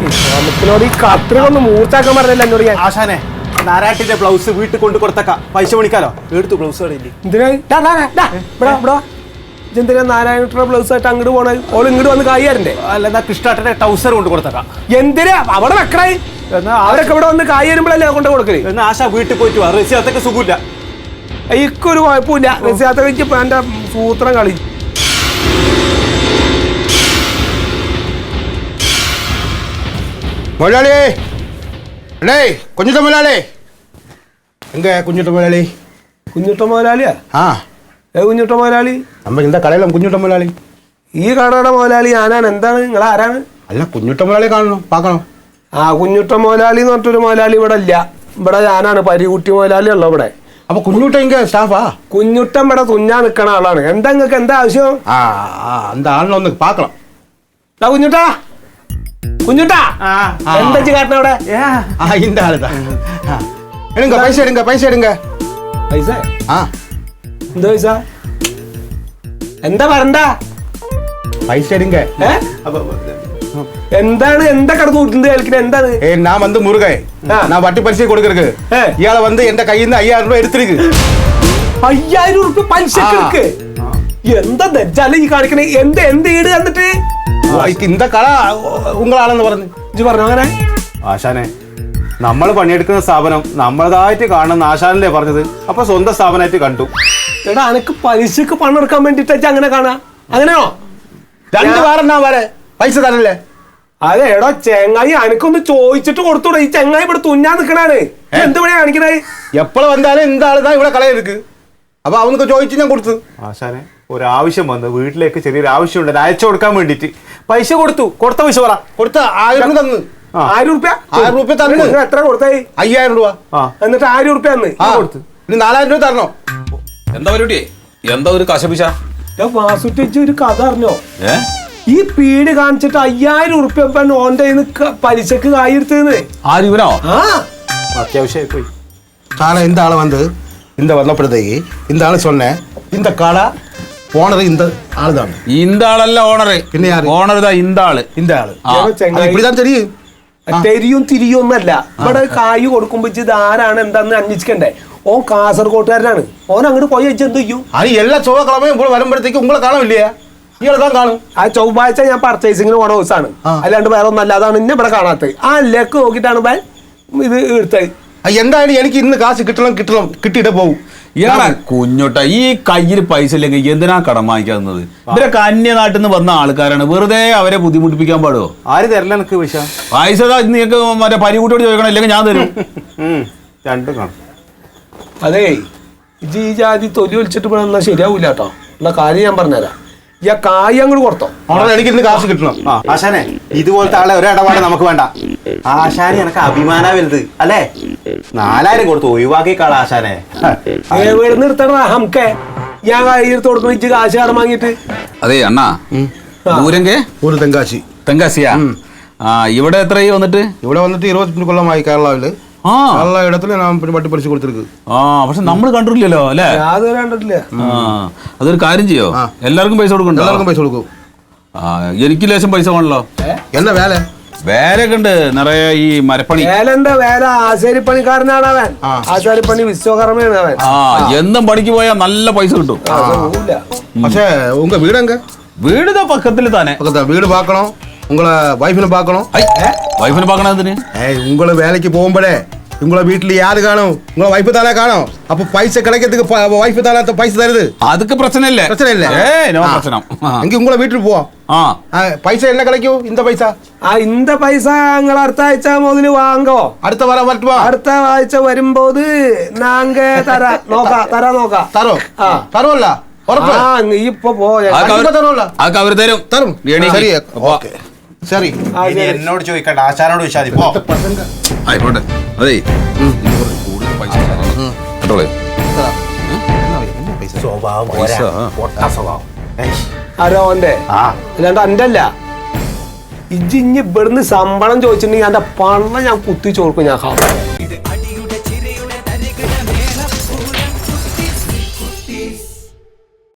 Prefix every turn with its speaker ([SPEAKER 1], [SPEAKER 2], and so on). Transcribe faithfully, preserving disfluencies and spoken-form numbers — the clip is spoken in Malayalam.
[SPEAKER 1] നമുക്കിനോട് ഈ കത്രികൊന്ന് മൂർച്ചാക്കാൻ പറഞ്ഞില്ല എന്നോട് ഞാൻ.
[SPEAKER 2] ആശാനെ നാരായട്ടിന്റെ ബ്ലൗസ് വീട്ടിൽ കൊണ്ട് കൊടുത്തക്ക പൈസ മേടിക്കാലോ. എടുത്തു ബ്ലൗസ്
[SPEAKER 1] എന്തിനാ നാരായണ ബ്ലൗസ് ആയിട്ട് അങ്ങോട്ട് പോണേ? ഓൾ ഇങ്ങോട്ട് വന്ന് കായ്യാരണ്ടേ?
[SPEAKER 2] അല്ല എന്നാ കൃഷ്ണാട്ടന്റെ ടൗസർ കൊണ്ട് കൊടുത്തക്ക.
[SPEAKER 1] എന്തിനാ അവിടെ വെക്കണേ? അവരൊക്കെ ഇവിടെ വന്ന് കായ് വരുമ്പോഴല്ലേ കൊണ്ട് കൊടുക്കല്?
[SPEAKER 2] എന്നാ ആശ വീട്ടിൽ പോയിട്ട് വാ. റസിയാത്തൊക്കെ സുഖമില്ല.
[SPEAKER 1] എനിക്കൊരു കുഴപ്പമില്ല. റസിയാത്ത വെച്ച് എന്റെ സൂത്രം കളി.
[SPEAKER 3] முதலாளி டேய் குஞ்சுட்ட முதலாளி எங்க குஞ்சுட்ட முதலாளி?
[SPEAKER 1] കുഞ്ഞുട്ട മുതലാളിയാ?
[SPEAKER 3] ആ
[SPEAKER 1] ഏ കുഞ്ഞുട്ട മുതലാളി?
[SPEAKER 3] நம்ம இந்த கடையில குஞ்சுட்ட முதலாளி.
[SPEAKER 1] ഈ കടയുടെ മുതലാളി ഞാനാണ്. എന്താണ് നിങ്ങൾ ആരാണ്?
[SPEAKER 3] അല്ല കുഞ്ഞുട്ട മുതലാളി കാണണം പാക്കണം.
[SPEAKER 1] ആ കുഞ്ഞുട്ട മുതലാളി എന്ന് പറഞ്ഞിട്ടൊരു മുതലാളി ഇവിടെ ഇല്ല. ഇവിടെ ഞാനാണ് പരികുട്ടി മുതലാളി ഉള്ള ഇവിടെ.
[SPEAKER 3] അപ്പൊ കുഞ്ഞുട്ട ഇങ്ങ സ്റ്റാഫാ?
[SPEAKER 1] കുഞ്ഞുട്ടൻ ഇവിടെ തുഞ്ഞാൻ നിൽക്കണ ആളാണ്. എന്താ നിങ്ങൾക്ക് എന്താ ആവശ്യം?
[SPEAKER 3] ആ அந்த ആളിനെ ഒന്ന് പാക്കണം.
[SPEAKER 1] കുഞ്ഞുട്ടാ കുഞ്ഞുട്ടാ എന്താ കാട്ടണ അവിടെ?
[SPEAKER 3] ആ இந்த ആളുതാ. എടുങ്ക പൈസ എടുങ്ക പൈസ എടുങ്ക.
[SPEAKER 1] പൈസ?
[SPEAKER 3] ആ
[SPEAKER 1] എന്താ പൈസ? എന്താ പറണ്ട?
[SPEAKER 3] പൈസ എടുങ്ക.
[SPEAKER 1] എന്താണ് എന്താ കടന്നു കൂട്ടുന്നത് കേൾക്കുന്നത്? എന്താണ്?
[SPEAKER 3] ഏ நான் வந்து முருகன். நான் வட்டி பரிசை கொடுக்கறதுக்கு இயால வந்து எந்த கையில இருந்து ஐயாயிரம் ரூபாய் எடுத்துருக்கு.
[SPEAKER 1] അയ്യായിരം ഉറുപ്പിക പലിശക്ക് എടുക്ക്? എന്താ നെജ്ജാല ഈ കാണിക്കണേ? എന്ത് എന്ത് ഈട് തന്നിട്ട്?
[SPEAKER 3] இந்த கடை ഉങ്ങളാണെന്ന് പറഞ്ഞു.
[SPEAKER 1] ഇജ്ജ് പറഞ്ഞു അങ്ങനെ?
[SPEAKER 2] ആശാനെ നമ്മൾ പണിയെടുക്കുന്ന സ്ഥാപനം നമ്മളതായിട്ട് കാണുന്ന ആശാനല്ലേ പറഞ്ഞത്. അപ്പൊ സ്വന്തം സ്ഥാപനമായിട്ട് കണ്ടു.
[SPEAKER 1] എടാ അനക്ക് പലിശക്ക് പണം എടുക്കാൻ വേണ്ടിട്ട് അങ്ങനെ കാണാ? അങ്ങനെയോ?
[SPEAKER 3] രണ്ട് വാരം വരെ പൈസ തരല്ലേ?
[SPEAKER 1] അതെ എടോ ചെങ്ങായി അനക്കൊന്ന് ചോദിച്ചിട്ട് കൊടുത്തൂടെ? ഈ ചെങ്ങായി ഇവിടെ തുന്നാൻ നിക്കണാണ്. എന്ത് പണിയാ കാണിക്കണേ?
[SPEAKER 3] എപ്പോഴും വന്നാലും இந்த ആള് தான் ഇവിടെ കളയെടുക്ക്. അപ്പൊ അവനക്ക് ചോദിച്ചു ഞാൻ കൊടുത്തു.
[SPEAKER 2] ആശാനെ ഒരാവശ്യം വന്ന് വീട്ടിലേക്ക് ചെറിയൊരു ആവശ്യം ഉണ്ട് അയച്ചു കൊടുക്കാൻ വേണ്ടിട്ട് പൈസ കൊടുത്തു. കൊടുത്ത പൈസ പറ.
[SPEAKER 3] കൊടുത്ത ആയിരം തന്നു.
[SPEAKER 1] ആയിരം ഉറുപ്യ?
[SPEAKER 3] ആയിരം റുപ്യ തന്നു.
[SPEAKER 1] എത്ര കൊടുത്തായി?
[SPEAKER 3] അയ്യായിരം രൂപ.
[SPEAKER 1] എന്നിട്ട് ആയിരം ഉറുപ്യ തന്ന്
[SPEAKER 3] കൊടുത്തു. ഇനി നാലായിരം രൂപ തരണോ?
[SPEAKER 4] എന്താ പരിപാടിയേ? എന്താ ഒരു കശപിശ?
[SPEAKER 1] വാസുട്ടിച്ച് ഒരു കഥ അറിഞ്ഞോ? ഈ പീഡ് കാണിച്ചിട്ട് അയ്യായിരം ഉറുപ്യ ഓന്റെ പലിശക്ക് കായെടുത്തത്.
[SPEAKER 4] ആര് ഇവനോ?
[SPEAKER 1] ആ
[SPEAKER 2] അത്യാവശ്യമായി പോയി.
[SPEAKER 3] சாலை இந்த ஆளை வந்து இந்த வந்தப்படுறதுக்கு இந்த ஆளு சொன்னேன். இந்த கடை ஓனர் இந்த ஆளு தான்.
[SPEAKER 4] இந்த ആളല്ല ഓണർ.
[SPEAKER 3] പിന്നെ ആര്?
[SPEAKER 4] ഓണർ ഇതാ இந்த ആള്.
[SPEAKER 3] இந்த ആള് இப்படிதான் தெரியும்.
[SPEAKER 1] തെരിയും തിരിയും ഒന്നല്ല. ഇവിടെ കായ് കൊടുക്കുമ്പോ ഇത് ആരാണ് എന്താന്ന് അന്വേഷിക്കണ്ടേ? ഓൻ കാസർഗോട്ടുകാരനാണ്. ഓൻ അങ്ങോട്ട് പോയി വെച്ച് എന്ത് ചെയ്യും?
[SPEAKER 3] அது எல்லா செவ்வாய்க்கிழமையும் ഇവിടെ വരുമ്പോഴത്തേക്ക് ഉങ്ങളെ കാണും ഇല്ലയാ? ഇയാളെ താൻ കാണും.
[SPEAKER 1] ആ ചൊവ്വാഴ്ച ഞാൻ പർച്ചേസിങ്ങിന് പോണ ദിവസമാണ്. അല്ലാണ്ട് വേറെ ഒന്നല്ല. അതാണ് ഇന്നെ ഇവിടെ കാണാത്തത്. ആ ലെക്ക് നോക്കിയിട്ടാണ് ബാൻ ഇത് എടുത്തത്.
[SPEAKER 3] എന്തായാലും എനിക്ക് ഇന്ന് കാശ് കിട്ടണം കിട്ടണം കിട്ടിയിട്ട് പോകും.
[SPEAKER 4] ഇയാളെ കുഞ്ഞോട്ട ഈ കയ്യിൽ പൈസ ഇല്ലെങ്കിൽ എന്തിനാ കടം വാങ്ങിക്കാവുന്നത്? ഇവരൊക്കെ അന്യനാട്ടിൽ നിന്ന് വന്ന ആൾക്കാരാണ്. വെറുതെ അവരെ ബുദ്ധിമുട്ടിപ്പിക്കാൻ പാടുമോ?
[SPEAKER 2] ആര് തരില്ല എനിക്ക് പൈസ?
[SPEAKER 4] പൈസ നിങ്ങൾക്ക് മറ്റേ പരികൂട്ടിയോട് ചോദിക്കണം, ഇല്ലെങ്കിൽ ഞാൻ തരും.
[SPEAKER 2] രണ്ടും കാണും.
[SPEAKER 1] അതേ ഇജ് ഈ ജാതി തൊലി ഒലിച്ചിട്ട് ഇവിടെ എന്നാൽ ശരിയാവൂല കേട്ടോ. ഉള്ള കാര്യം ഞാൻ പറഞ്ഞുതരാം. ഈ കായ് അങ്ങോട്ട് കൊടുത്തോ.
[SPEAKER 3] എനിക്ക് ഇന്ന് കാശ് കിട്ടണം.
[SPEAKER 2] ആശാനെ ഇതുപോലത്തെ ആളെ ഒരു ഇടപാട് നമുക്ക് വേണ്ട. ആശാനെ എനക്ക് അഭിമാന വലുത് അല്ലേ? നാലായിരം കൊടുത്ത് ഒഴിവാക്കിക്കാള ആശാനെ.
[SPEAKER 1] എവിടെ നിർത്തണ ഹംക്കെ? ഞാൻ കയ്യെടുത്ത് കൊടുക്കണം ഇജ്ജ് കാശ് കടം വാങ്ങിയിട്ട്.
[SPEAKER 4] അതെ അണ്ണാ ദൂരങ്കെ
[SPEAKER 3] ഒരു തെങ്കാശി.
[SPEAKER 4] തെങ്കാശിയാ? ആ ഇവിടെ എത്രയായി വന്നിട്ട്?
[SPEAKER 3] ഇവിടെ വന്നിട്ട് ഇരുപത്തിരണ്ട് കൊല്ലമായി കേരളാവില്.
[SPEAKER 4] ആ
[SPEAKER 3] എല്ലാ ഇടത്തിലും ഞാൻ വട്ടി പറിച്ചു കൊടുത്തിരിക്കും.
[SPEAKER 4] ആ പക്ഷെ നമ്മൾ കണ്ടിട്ടില്ലല്ലോ അല്ലേ?
[SPEAKER 1] യാതൊരു കണ്ടിട്ടില്ല.
[SPEAKER 4] ആ അതൊരു കാര്യം ചെയ്യോ, എല്ലാവർക്കും പൈസ കൊടുക്കണ്ടോ?
[SPEAKER 3] എല്ലാവർക്കും പൈസ കൊടുക്കും.
[SPEAKER 4] ആ എനിക്ക് ലേശം പൈസ വേണല്ലോ.
[SPEAKER 3] എന്നാ വേല?
[SPEAKER 4] വേലൊക്കെ ഉണ്ട് നിറയെ. ഈ മരപ്പണി
[SPEAKER 1] വേല എന്താ വേല? ആശാരിപ്പണിക്കാരനാണ് അവൻ. ആശാരിപ്പണി വിശ്വകർമ്മയാണ് അവൻ.
[SPEAKER 4] ആ എന്നും പണിക്ക് പോയാൽ നല്ല പൈസ കിട്ടും.
[SPEAKER 3] പക്ഷേ ഉങ്ക വീടെങ്ക?
[SPEAKER 4] വീട് പക്കത്തിൽ തന്നെ.
[SPEAKER 3] വീട് പാക്കണം. உங்களை வைஃபினை பார்க்கணும்.
[SPEAKER 4] வைஃபினை பார்க்கணும் எதுன்னு?
[SPEAKER 3] ஏய் உங்களை வேலைக்கு போகும்போதே உங்களை வீட்டில் யாரு காணும்? உங்களை வைஃப் தானே காணும். அப்போ பைசா கிடைக்கிறதுக்கு வைஃப் தானே பைசா தருது.
[SPEAKER 4] அதுக்கு பிரச்சனை இல்லை.
[SPEAKER 3] பிரச்சனை இல்லை.
[SPEAKER 4] ஏய் நோ பிரச்சனை.
[SPEAKER 3] அங்கே உங்களை வீட்டுக்கு போ.
[SPEAKER 4] ஆ
[SPEAKER 3] பைசா என்ன கிடைக்கும்? இந்த பைசா.
[SPEAKER 1] ആ இந்த പൈസ നിങ്ങൾ അടുത്ത ആഴ്ച മുതൽ വാങ്ങോ.
[SPEAKER 3] അടുത്ത വാരം വരട്ടുവാ.
[SPEAKER 1] അടുത്ത ആഴ്ച വരുമ്പോൾ നാങ്ക തരാ നോക്കാം. തരാ നോക്കാം.
[SPEAKER 3] തരോ? ആ തരുമല്ല ഉറപ്പ്?
[SPEAKER 1] ആ നീ ഇപ്പൊ പോയാ
[SPEAKER 3] തരുമല്ല?
[SPEAKER 4] അതൊക്കെ അവർ തരും.
[SPEAKER 3] തരും. ശരി ഓക്കെ ശരി.
[SPEAKER 2] എന്നോട് ചോദിക്കണ്ട, ആശാനോട് ചോദിച്ചാൽ മതി. പോ
[SPEAKER 4] ആയിക്കോട്ടെ. അതെ കൂടുതൽ പൈസ കേട്ടോളേ.
[SPEAKER 1] ആരോ ഓന്റെ അല്ലാണ്ട് അന്റെ അല്ല. ഇജ്ജ് ഇഞ്ഞ് ഇവിടുന്ന് ശമ്പളം ചോദിച്ചിട്ടുണ്ടെങ്കിൽ എന്റെ പണം ഞാൻ കുത്തി ചോർക്കും. ഞാൻ